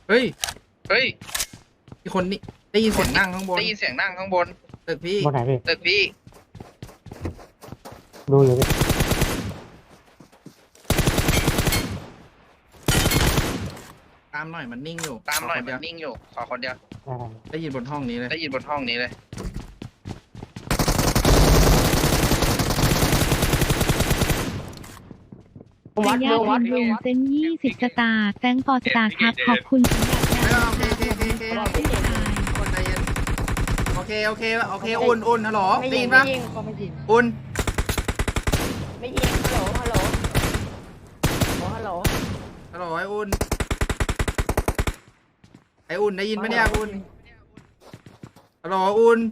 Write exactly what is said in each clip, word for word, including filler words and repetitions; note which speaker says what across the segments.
Speaker 1: เฮ้ย
Speaker 2: เฮ้ย
Speaker 1: มีคนนี่ได้ยินเสียงนั่งข้างบน
Speaker 2: ได้ยินเสียงนั่งข้างบน
Speaker 1: ตึกพี่
Speaker 3: บนไหนพี่
Speaker 2: ตึกพี่
Speaker 3: ดูอยู่พี่
Speaker 1: ตามหน่อยมันนิ่งอยู่
Speaker 2: ตามหน่อย
Speaker 1: ข
Speaker 2: มัน
Speaker 1: เดียว
Speaker 2: นิ่งอยู่ขอคนเดียว
Speaker 3: ได้
Speaker 1: ได้ยินบนห้องนี้เลย
Speaker 2: ได้ยินบนห้องนี้เลย
Speaker 4: วัดดูวัดดูเซนยี่สิบสตาร์แตงปอสตาร์ครับขอบคุณสำหรับ
Speaker 1: ไม่เอาโอเคโอเคโอเคโอเคคนใจเย็นโอเคโอเคโอเคอุ่นอุ่นฮัลโหล
Speaker 5: ไม่
Speaker 1: ได้
Speaker 5: ยิ
Speaker 1: ยิ
Speaker 5: ง
Speaker 1: น
Speaker 5: ไม่
Speaker 1: ปะ
Speaker 5: ยิงเขาไม่ยิง
Speaker 1: อุ่น
Speaker 5: ไม่ยิงฮัลโหลฮัลโหลฮัลโหลฮัลโหล
Speaker 1: ฮัลโหลไออุ่นไออุ่นได้ยินปะเนี่ยอุ่นฮัลโหลอุ่น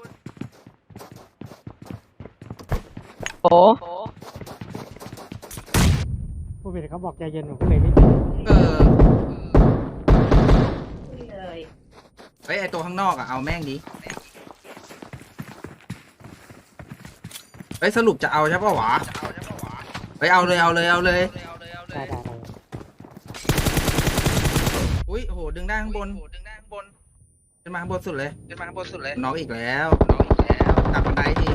Speaker 5: โอ้
Speaker 3: ผู้ผิดเขาบอกใจเย็นผมก็เลยไม่
Speaker 1: เออเฮ้ยไอตัวข้างนอกอะเอาแม่งดิเฮ้ยสรุปจะเอาใช่ปะวะเฮ้ยเอาเลยเอาเลยเอาเลย
Speaker 3: ได้ได้ได้
Speaker 1: อุ้ยโหดึงได้ข้างบน
Speaker 2: ดึงได้ข้างบน
Speaker 1: ขึ้นมาข้างบนสุดเลย
Speaker 2: ขึ้นมาข้างบนสุดเลย
Speaker 1: น้องอีกแล้ว
Speaker 2: น้องอีกแล้ว
Speaker 1: กลับบันไดที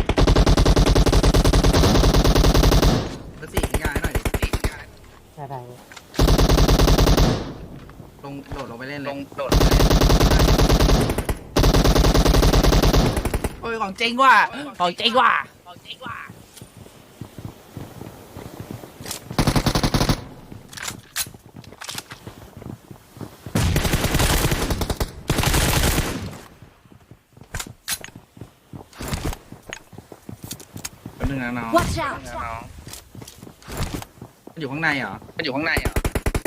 Speaker 1: กระสีง่ายหน่อยดิ
Speaker 3: ได้ได้
Speaker 1: ลงโดดลงไปเล่นเล
Speaker 2: ล
Speaker 1: ย
Speaker 2: งโดด
Speaker 1: โอ้ยของจริงว่ะของจริงว่ะ
Speaker 2: ของจริงว่ะ
Speaker 1: แป๊บนึงนะน้อง
Speaker 4: Watch out
Speaker 2: น้อง
Speaker 1: มันอยู่ข้างในเหรอ
Speaker 2: มันอยู่ข้างในเหรอ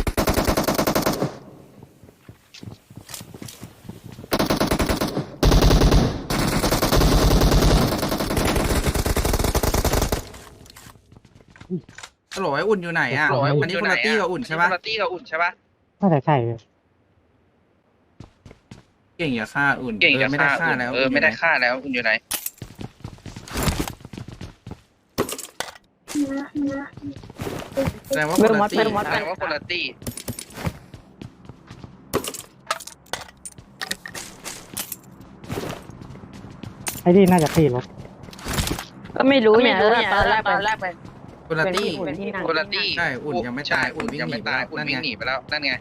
Speaker 1: ฮัลโหลไออุ่นอยู่ไหนอ่ะ
Speaker 2: โหล
Speaker 1: อันนี้คนละตี้กับอุ่นใช่ปะ
Speaker 2: คนละตี้กับอุ่นใช่ปะ
Speaker 3: น่าจะใช่พี่
Speaker 1: เก่งอย่าฆ่าอุ่น
Speaker 2: เก่ง
Speaker 1: ออ
Speaker 2: จะ
Speaker 1: ไม่ได้
Speaker 2: ฆ่า
Speaker 1: ฆ่า
Speaker 2: อุ่น
Speaker 1: แล้ว
Speaker 2: เออไม่ได้ฆ่าแล้วอุ่นอยู่ไหน
Speaker 1: แสดงว่าคนละตี้
Speaker 2: แสดงว่าคนละตี้
Speaker 3: ไอ้นี่น่าจะตีรถ
Speaker 5: ก็ไม่รู้เนี่ยตอนแรกตอนแรกไป
Speaker 1: คนละตี้
Speaker 5: เป็นที่นั่ง
Speaker 2: คนละตี้
Speaker 1: ใช่อุ่นยังไม่ตายอุ่นวิ่ง
Speaker 2: ยัง
Speaker 1: หนี
Speaker 2: ไม่
Speaker 1: ไป
Speaker 2: ตาย
Speaker 1: แล้ว
Speaker 2: อุ่น
Speaker 1: นั่น
Speaker 2: วิ่
Speaker 1: ไง
Speaker 2: งหนีไปแล้วนั่นไง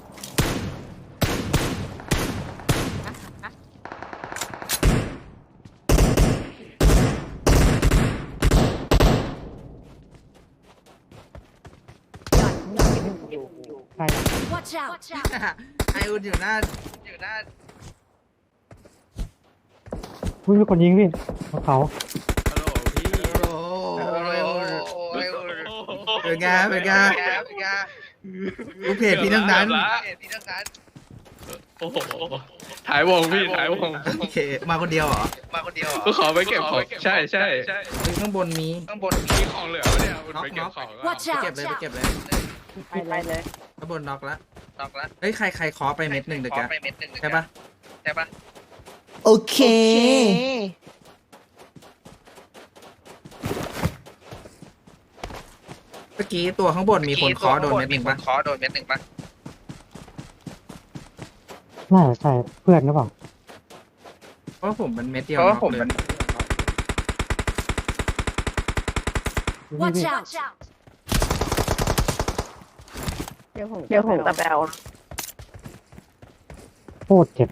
Speaker 3: ใช่
Speaker 4: Watch out
Speaker 1: ไออุ่นอยู่หน้า
Speaker 2: อยู่หน้า
Speaker 3: อุ้ยมีคนยิงพี่บนเขา
Speaker 1: ฮัลโหลพี่โอ้
Speaker 2: โอ้ย
Speaker 1: โห
Speaker 2: โอ้ย
Speaker 1: เป็นไงเป็นไง
Speaker 2: เป็นไง
Speaker 1: ลูกเพจพี่ทั้งนั้น
Speaker 2: พี่ทั้งนั้น
Speaker 6: โอ้โหถ่ายวงพี่ถ่ายวง
Speaker 1: โอเคมาคนเดียวเหรอ
Speaker 2: มาคนเดียวเหรอ
Speaker 6: ก็ขอไปเก็บของใช่ใช่
Speaker 1: เฮ้ยข้างบนมี
Speaker 2: ข้างบน
Speaker 6: มีของเหลือวะเนี่ยมันไปเก็บของแล้ว
Speaker 4: Watch
Speaker 1: ไป
Speaker 4: out
Speaker 1: เก็บเลยไปเก็บเลย
Speaker 5: ไปไปเลย
Speaker 1: ข้างบนน็อกแล้ว
Speaker 2: ตอกละ
Speaker 1: เฮ้ยใครใครขอไปเม็ดหนึ่งเด็ก
Speaker 2: ขอ
Speaker 1: อะ
Speaker 2: ไปเม็ดหนึ่ง
Speaker 1: ใช่ปะ
Speaker 2: ใช่ปะ
Speaker 7: โอเค
Speaker 1: เมื่อกี้ตัวข้างบนมีคนเคอโดนเม็ดหนึ่งปะ
Speaker 2: ขอโดนเม็ดหนึ่งปะ
Speaker 3: น่าจะใช่เพื่อนหรือเปล่า
Speaker 1: เพราะว่าผมมันเม็ดเดียว
Speaker 2: เพราะว่า
Speaker 1: น็อก
Speaker 2: ผม
Speaker 1: เลย
Speaker 2: มัน
Speaker 3: นี่
Speaker 4: Watch
Speaker 3: พี่
Speaker 4: out
Speaker 5: เดี๋ยวผมเดี๋ยวผมตะแบว
Speaker 3: โคตรเจ็บ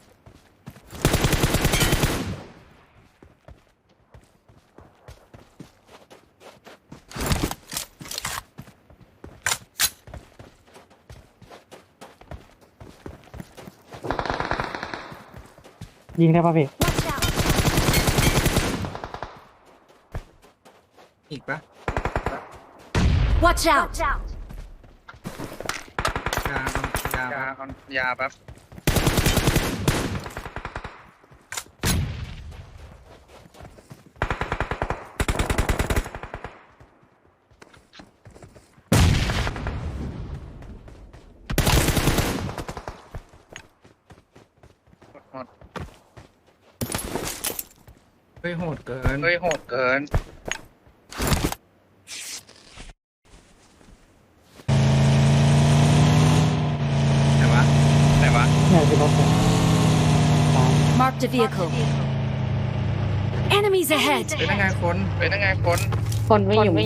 Speaker 3: ยิงได้ป่ะพี่
Speaker 4: Watch out
Speaker 1: อีกปะ
Speaker 4: Watch out
Speaker 1: ยาเอายาย
Speaker 2: า
Speaker 1: ปะ
Speaker 2: เอายาแป๊บหมด
Speaker 1: เฮ้ยโหดเกิน
Speaker 2: เฮ้ยโหดเกิน
Speaker 7: Marked a vehicle. Enemies ahead.
Speaker 1: เป็นยังไงคน
Speaker 2: เป็นยังไงคน
Speaker 5: คนไม่อยู่ไม่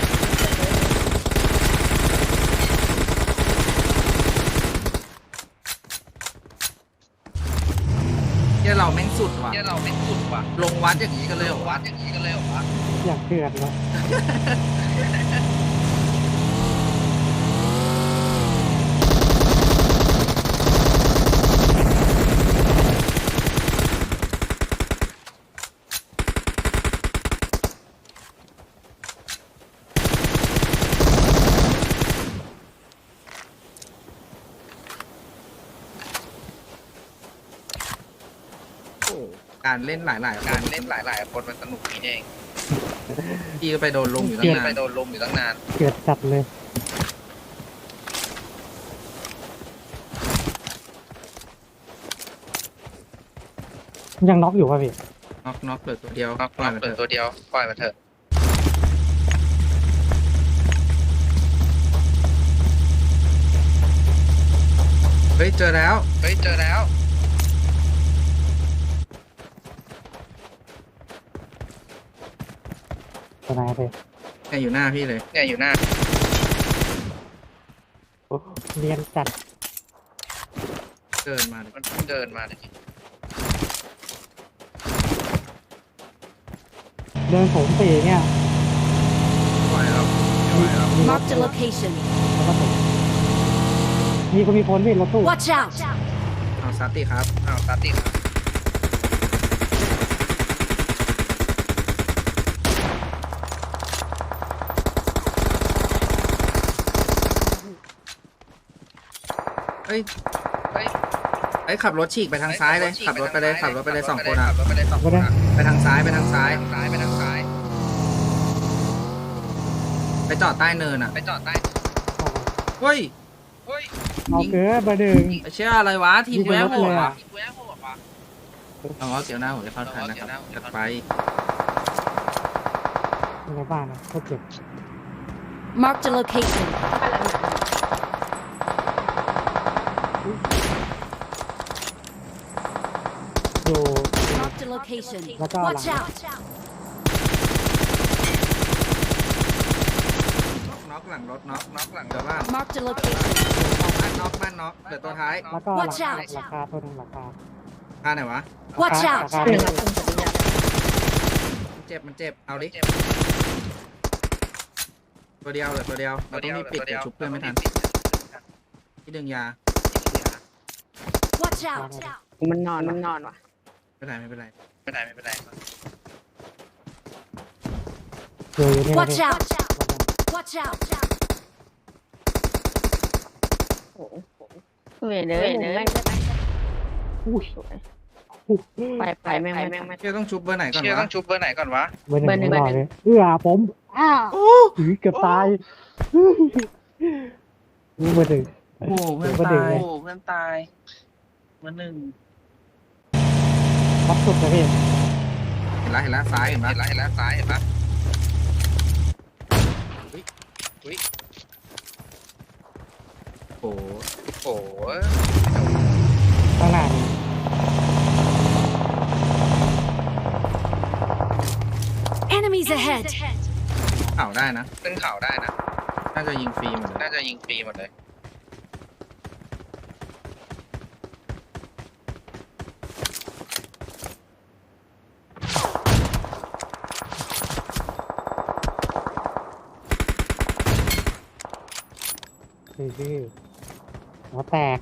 Speaker 1: เที่ยเราแม่งสุดว่ะ
Speaker 2: เนี่ยเราไม่สุดว่ะ
Speaker 1: ลงวัดอย่างนี้กันเลยเหรอ
Speaker 2: วั
Speaker 1: วะ
Speaker 2: ดอย่างนี้กันเลยเหรอวะ
Speaker 3: อยากเดือดวะ
Speaker 1: โอ้การเล่นหลายๆ
Speaker 2: กา
Speaker 1: การ ร
Speaker 2: เล่นหลายๆคนมันสนุกนี่เอง
Speaker 1: พี่ก็ไปโดนลงอยู่ตั้ง
Speaker 2: เกีย
Speaker 1: นาน
Speaker 2: ไปโดนลมอยู่ตั้งนาน
Speaker 3: เดือดจัดเลย ยังน็อกอยู่ป่ะพี่
Speaker 1: น็อกน็อกเปิดตัวเดียว
Speaker 2: น็อก
Speaker 1: ปล่อยมัน
Speaker 2: เปิ
Speaker 1: เถ
Speaker 2: ด
Speaker 1: อะ
Speaker 2: ตัวเดียวปล่อยมาเถอะ
Speaker 1: เฮ้ยเจอแล้ว
Speaker 2: เฮ้ยเจอแล้ว
Speaker 3: ตัวไหนพี่
Speaker 1: เนี่ยอยู่หน้าพี่เลย
Speaker 2: เนี่ยอยู่หน้า
Speaker 3: โอ้เรียนจัด
Speaker 1: เดินมาเลย
Speaker 2: มันเพิ่งเดินมาเลย
Speaker 3: เดินผมสี่เนี่ย
Speaker 1: ปล่อยแล้วไม่ไหวแล้ว
Speaker 3: มีรถ
Speaker 7: Marked a location.
Speaker 3: แล้วก็ผมมีก็มีคนพี่รถตู้
Speaker 7: Watch out.
Speaker 1: เอาซัตติครับ
Speaker 2: อ้าวตาติด
Speaker 1: เฮ้ย
Speaker 2: เฮ้ย
Speaker 1: เฮ้ยขับรถฉีกไปทางซ้ายเลย ขับรถไปเลยขับรถไปเลยสองคนอ่ะ
Speaker 2: ขับรถไปเลยสองคนอะ
Speaker 1: ไปทางซ้ายไปทางซ้าย
Speaker 2: ทางซ้ายไปทางซ้าย
Speaker 1: ไปจอดใต้เนินอ่ะ
Speaker 2: ไปจอดใต้
Speaker 1: เฮ้ย
Speaker 2: เฮ้ย
Speaker 3: เอาเกินมาดึง
Speaker 1: ไอ้เชื่ออะไรวะทีม
Speaker 3: ยิง
Speaker 1: แว
Speaker 3: ไป
Speaker 1: ว
Speaker 3: รถ
Speaker 1: โห
Speaker 3: เล
Speaker 1: ด
Speaker 3: ย
Speaker 1: ว่ะ
Speaker 3: อะ
Speaker 2: อีกแววโหดว่ะ
Speaker 1: เอาว่าเกี่ยวหน้าผมจะเข้าทันนะครับจัดไป
Speaker 3: อยู่ในบ้านนะก็เจ็บ
Speaker 7: Marked a location.
Speaker 3: อยู่
Speaker 7: Marked a location.
Speaker 3: Watch out.
Speaker 7: Watch out.
Speaker 1: น็อกหลังรถน็อกน็อกหลังเดี๋ยวบ้าน
Speaker 7: Marked a location.
Speaker 1: บ้านน็อกบ้านน็อกเหลือตัวท้าย
Speaker 3: แล้วก็หลัง
Speaker 7: Watch
Speaker 3: คา
Speaker 7: out.
Speaker 3: ราคาตัวหนึงราคา
Speaker 1: ท่าไหนวะ
Speaker 7: Watch
Speaker 3: รา
Speaker 7: out.
Speaker 3: คา
Speaker 5: ห
Speaker 3: ห
Speaker 5: นึ่
Speaker 3: นึ่
Speaker 5: ง
Speaker 3: ง
Speaker 5: ครับคุณสุริยะ
Speaker 1: มันเจ็บมันเจ็บเอาดิตัวเดียวเหลือตัวเดียวเราต้องมีปิดเดี๋ยวชุบเพื่อนไม่ทันที่ดึงยา
Speaker 7: Watch out.
Speaker 5: มันนอนมันนอนว่ะ
Speaker 1: ไม่เป็นไรไม่เป็นไร
Speaker 2: ไม่ได้ไม่เป็นไร
Speaker 3: อยู่อยู่นี่นะ
Speaker 7: Watch
Speaker 3: พี่
Speaker 7: out. Watch out.
Speaker 5: โอ้โหเวยเนยเนย
Speaker 3: อุ้ย
Speaker 5: ไปไปแม่งแม่งไม่
Speaker 1: เชื่อต้องชุบเบอร์ไหนก่อน
Speaker 2: เชื่อ
Speaker 1: วะ
Speaker 2: ต้องชุบเบอร์ไหนก่อนวะ
Speaker 3: เบอร์หนึ่ง
Speaker 5: เบอร์หนึ่ง
Speaker 3: ไม่รอดเลยเอื้อผมอ้าวอุ้ยเกือบตายนี่เบอร์หนึ่ง
Speaker 1: โอ้เพื่อน
Speaker 3: เบอร์หนึ่ง
Speaker 1: ตาย
Speaker 3: เลย
Speaker 2: โอ้เพื่อนตายเบอร์หนึ่ง
Speaker 3: ท็อปสุดเลยพี่
Speaker 1: เห็นแล้วเห็นแล้วซ้ายเห็นปะ
Speaker 2: เห็นแล้วเห็นแล้วซ้ายเห็นปะ
Speaker 1: โอ้โห
Speaker 2: โอ้โห
Speaker 3: ข้างหน้านี่
Speaker 7: Enemies ahead.
Speaker 1: เข่าได้นะ
Speaker 2: ขึ้นเขาได้นะ
Speaker 1: น่าจะยิงฟรีหมดเลย
Speaker 2: น่าจะยิงฟรีหมดเลย
Speaker 3: คือคือหัวแตก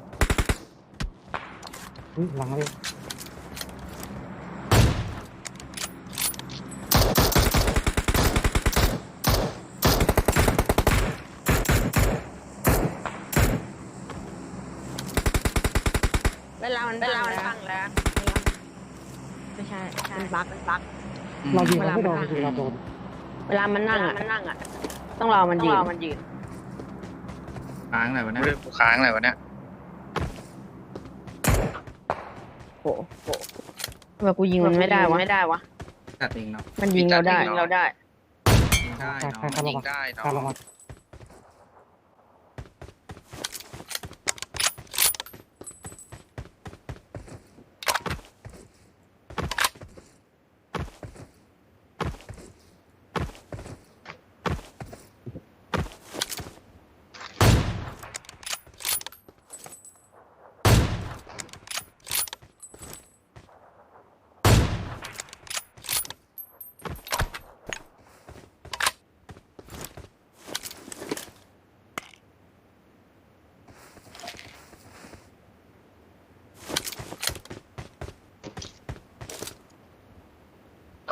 Speaker 3: อุ้ยหลังเลย
Speaker 5: เวลามันเวลามันฟังแล้วไม่ใช่มันบักมันบัก
Speaker 1: อืม
Speaker 3: เรายิงมันไม่โดนจริงๆเราโดน
Speaker 5: เวลามันนั่งอ่ะมันนั่งอ่ะ ต้องรอมันยืนมันยืน
Speaker 1: ค้างอะไรวะเนี่ย
Speaker 2: เรื่องกูค้างอะไรวะเนี่ย
Speaker 5: โหโหทำไมกูยิงมันไม่ได้วะไม่ได้วะ
Speaker 1: จัดเองเนาะ
Speaker 5: มันยิงเราได้เราได้
Speaker 1: ยิงได้
Speaker 3: ใคร
Speaker 1: เนาะ
Speaker 3: ใครใคร
Speaker 2: ยิ
Speaker 3: ล
Speaker 2: ง
Speaker 3: ง
Speaker 2: ได้
Speaker 3: ใคร
Speaker 2: เนาะ
Speaker 3: ลงมา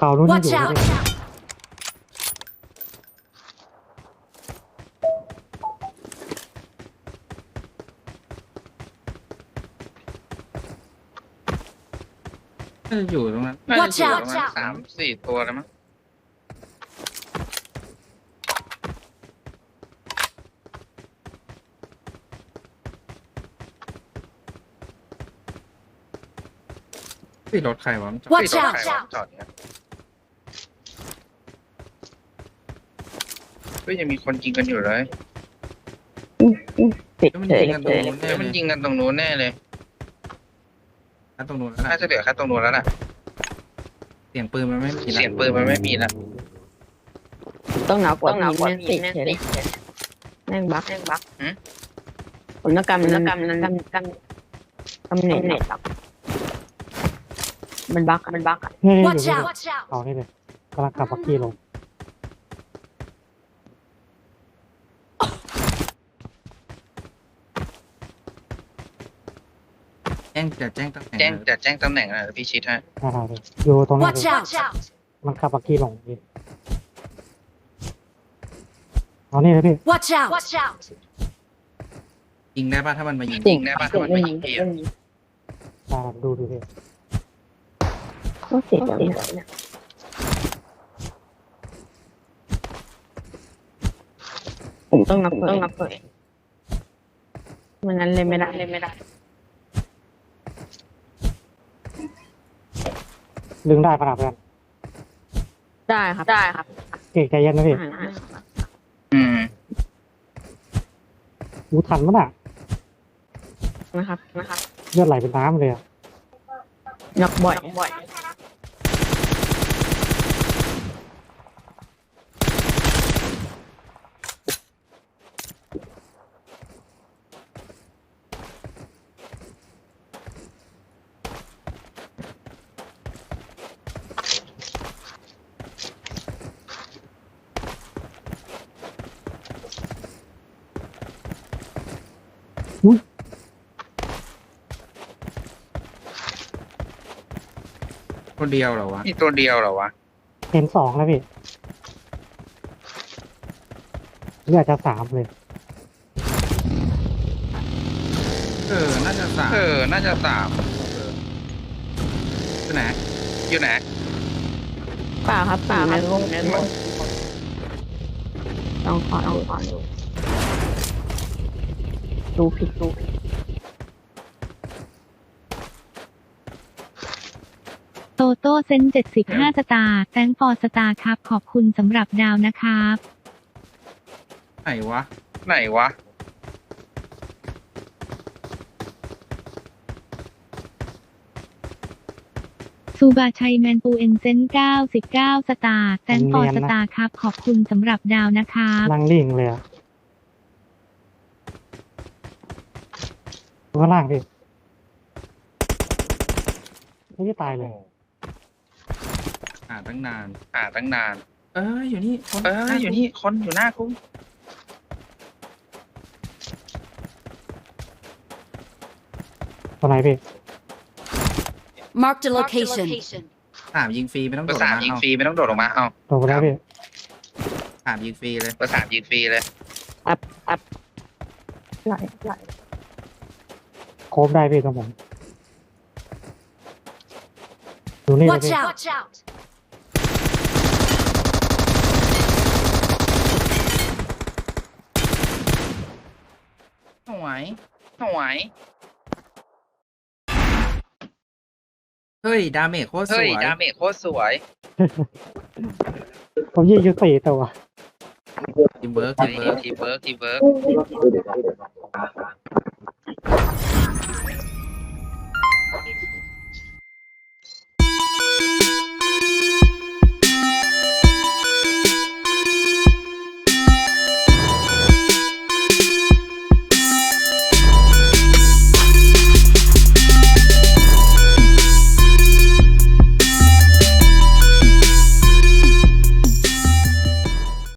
Speaker 3: เขานู้นยังอ
Speaker 7: Watch
Speaker 3: ยู่นะ
Speaker 7: out!
Speaker 3: พี่
Speaker 1: น่าจะอยู่ตรงนั้น
Speaker 2: น่าจะ
Speaker 7: Watch
Speaker 2: อยู่
Speaker 7: out
Speaker 2: ประมาณสามสี่ตัวแล้วมั้ง
Speaker 1: ที่รถใครวะมันจอด
Speaker 7: Watch
Speaker 2: ที่รถ
Speaker 7: out
Speaker 2: ใครวะจอดเนี่ยเฮ้ยยังมีคนยิงกันอยู่เลย
Speaker 5: ติด
Speaker 1: แล้วมัน
Speaker 5: เฉย
Speaker 1: ยิงกันตรงนู้นแน่
Speaker 2: เดี๋ยวมัน
Speaker 1: เลย
Speaker 2: ยิงกันตรงนู้นแน่เลย
Speaker 1: อ่ะตรงนู้นแล้ว
Speaker 2: น่า
Speaker 1: นะ
Speaker 2: จะเหลือแค่ตรงนู้นแล้วน่ะ
Speaker 1: เสียงปืนมันไม่มี
Speaker 2: เสียงปืนมันไม่มีแล้ว
Speaker 5: ต้องหนาวกว่านี้ติดเฉยแม่งบักแม่งบักผมต้องกำต้องกำต้องกำกำกำเน็ตเน็ตมันบักมันบัก
Speaker 3: นี่นี่อยู่
Speaker 7: Watch
Speaker 3: นี่
Speaker 7: out! Watch out!
Speaker 3: เขานี่เลยกำลังขับบักกี้ลง
Speaker 1: แจ้งจะแจ้งตำแหน่ง
Speaker 2: แจ้งจะแจ้งตำแหน่งนะพี่ชิดฮะ
Speaker 3: นะครับพี่อยู่ตรงนี้
Speaker 7: Watch
Speaker 3: เลย
Speaker 7: out! Watch out!
Speaker 3: มันขับบักกี้ลงพี่เอานี่เลยพี่
Speaker 7: Watch out! Watch out!
Speaker 1: ยิงได้ป่ะถ้ามันมายิง
Speaker 2: ยิงได้ปะถ้ามันไม่ยิงพี่อะ
Speaker 3: ตามดูดูพี่
Speaker 5: ก็เสียอย่างนี้ผมต้องนับต้องนับเลยมันงั้นเลยไม่ได้เลยไม่ได้
Speaker 3: ดึงได้ขนาดนั้น
Speaker 5: ได้ครับได้ครับ
Speaker 3: เก่งใจเย็นนะพี่
Speaker 2: อืม
Speaker 3: อู้ทันมั้ยน่ะ
Speaker 5: นะครับนะครับ
Speaker 3: เลือดไหลเป็นน้ำเลยอะ
Speaker 5: นักบ่อยบ่อย
Speaker 1: คนเดียวเหรอวะ
Speaker 2: นี่ตัวเดียวเหรอวะ
Speaker 3: เห็นสองแล้วพี่เลือดจะสามเลย
Speaker 1: เออน่าจะสาม
Speaker 2: เออ น่าจะสาม
Speaker 1: ที่ไหน
Speaker 2: อยู่ไหน
Speaker 5: เปล่าครับเปล่าในวงในวงต้องขอต้องขอดูดูผิดดูผิด
Speaker 4: โตโต้เซนเจ็ดสิบห้าสตาร์แตงฟอร์สตาร์ครับขอบคุณสำหรับดาวนะครับ
Speaker 1: ไหนวะ
Speaker 2: ไหนวะ
Speaker 4: ซูบาชัยแมนปูเอ็นเซนเก้าสิบเก้าสตาร์แตงฟอร์สตาร์ครับขอบคุณสำหรับดาวนะครับ
Speaker 3: นั่งลิ่งเลยอะดูข้างล่างพี่ไม่ได้ตายเลย
Speaker 1: อ่าตั้งนาน
Speaker 2: อ่าตั้งนาน
Speaker 1: เอออยู่นี่คน
Speaker 2: เออ อยู่นี่ คนอยู่หน้ากู
Speaker 3: ตรงไหนพี่
Speaker 7: Marked a location.
Speaker 1: ถามยิงฟรีไม่ต้อง
Speaker 2: เบ
Speaker 1: โด
Speaker 2: อ
Speaker 1: ด
Speaker 2: ร์สาม
Speaker 1: มา
Speaker 2: ยิง
Speaker 1: เอา
Speaker 2: ฟรีไม่ต้องโดดลงมา เอา
Speaker 3: โดนไปแล้วพี่
Speaker 1: ถามยิงฟรีเลย
Speaker 2: เบอร์สามยิงฟรีเลย
Speaker 5: ไหลไหล
Speaker 3: โคบได้พี่ตรงผมดูนี่เลย
Speaker 7: Watch
Speaker 3: พี่
Speaker 7: out! Watch out!
Speaker 1: สวย
Speaker 2: สวย
Speaker 1: เฮ้ยดาเมจโคตรส
Speaker 2: เฮ้
Speaker 1: วย ย
Speaker 2: ดาเมจโคตรสวย
Speaker 3: ผมยิงอยู่สี่ตัว
Speaker 1: ทีมเบิร์ก
Speaker 2: ที
Speaker 1: ทีมเบิร์ก
Speaker 2: ทีเวิร์กทีเวิร์ก